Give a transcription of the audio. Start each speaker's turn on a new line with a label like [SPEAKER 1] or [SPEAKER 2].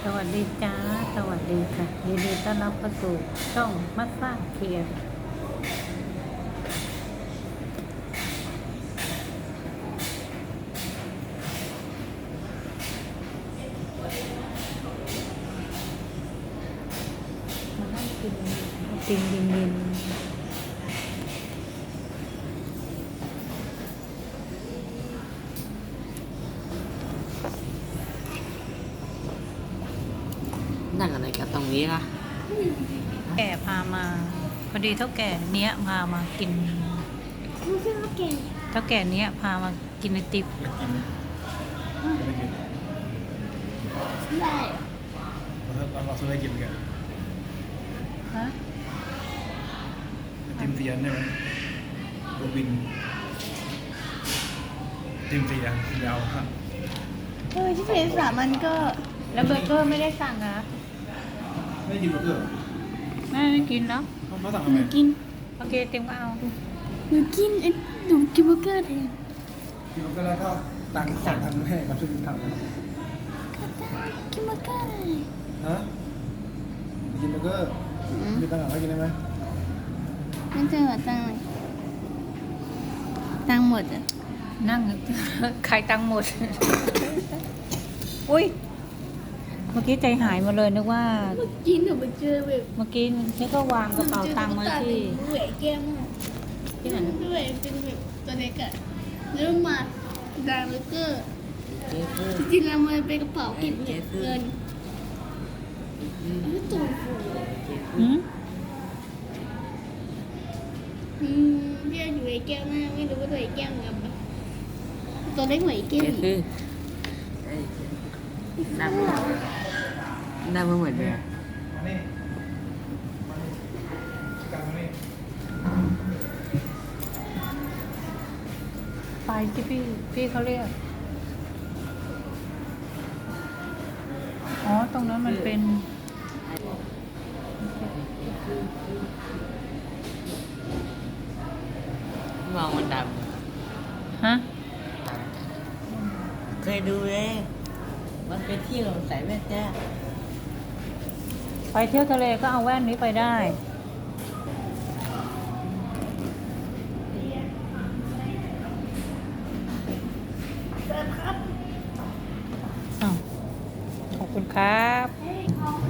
[SPEAKER 1] สวัสดีจ้าสวัสดีค่ะยินดีต้อนรับเข้าสู่ช่องมัสซ่าเคียร์มานั่งกินเย็น
[SPEAKER 2] นั่งอะไรกันตรงนี้ล่ะ
[SPEAKER 1] แก่พามาพอดีเท่าแก่เนี้ยพามากิน
[SPEAKER 3] ไม่ใช่ว่าเก่ง
[SPEAKER 1] เท่าแก่เนี้ยพามากินไอติม
[SPEAKER 3] ได้
[SPEAKER 4] เราซื้ออะไรกินกัน
[SPEAKER 1] ฮะ
[SPEAKER 4] ติมเตียนใช่ไหมตัวบินติมเตียนยาวครับ
[SPEAKER 3] ที่เป็นสามันก็
[SPEAKER 1] แล้วเบอร์เกอร์ไม่ได้สั่งนะ
[SPEAKER 4] ไม่ได้กินเบอร์เกอร์
[SPEAKER 1] แม่ไม่กินเนาะ
[SPEAKER 4] เขาสั่ง
[SPEAKER 3] ห
[SPEAKER 4] ทำไม
[SPEAKER 3] นูกิน
[SPEAKER 1] โอเคเต็มก็เอา
[SPEAKER 3] หนูกินหนูกินเบอร์เกอร์แทน
[SPEAKER 4] กินเบอร์เกอร์แล้วก็ตังค์สั่งทำให้กับช่วยทำนะ
[SPEAKER 3] ก็ได้กินเบอร์เกอร์เลย
[SPEAKER 4] ฮะกินเบอร์เกอร์มีตังค์ให้กินได้ไหม
[SPEAKER 3] นั่นจะหัวตังค์เลยตังค์หมดอ่ะ
[SPEAKER 1] นั่ง ใครตังค์หมด อุ้ยเมื่อกี้ใจหายหมาเลยนึกว่า
[SPEAKER 3] เมื่อกี้หนูไปเจอแบบ
[SPEAKER 1] เมื่อกี้ฉันก็วางกระเป๋าตังค์ไว้ที่
[SPEAKER 3] แหวนแก้มอะ
[SPEAKER 1] ที่ไหน
[SPEAKER 3] แหวนเป็นแบบตัวเล็กอ่ะแล้วมาดังเบอร์เกอร์
[SPEAKER 2] เจ๊คือ
[SPEAKER 3] จริงๆแล้วมันเป็นกระเป๋าเก็บเงินไม่ตัวฟู
[SPEAKER 1] หืม
[SPEAKER 3] พี่อยู่ไอ้แก้วหน้าไม่รู้ว่าตัวไอ้แก้วกับตัวเล็กกว่าไอ้แก้ว
[SPEAKER 2] เจ๊
[SPEAKER 3] อีก
[SPEAKER 2] คือหน้าเหมือนเดิม
[SPEAKER 4] มานี่มานี่กลางมานี่
[SPEAKER 1] ไปที่พี่เขาเรียก อ๋อ ตรงนั้นมันเป็น
[SPEAKER 2] มองมันด
[SPEAKER 1] ฮะ
[SPEAKER 2] ำเคยดูเลยมันเป็นที่เราใส่แว่นจ้า
[SPEAKER 1] ไปเที่ยวทะเลก็เอาแว่นนี้ไปได้อ้าวขอบคุณครับ
[SPEAKER 3] เฮ้ยของ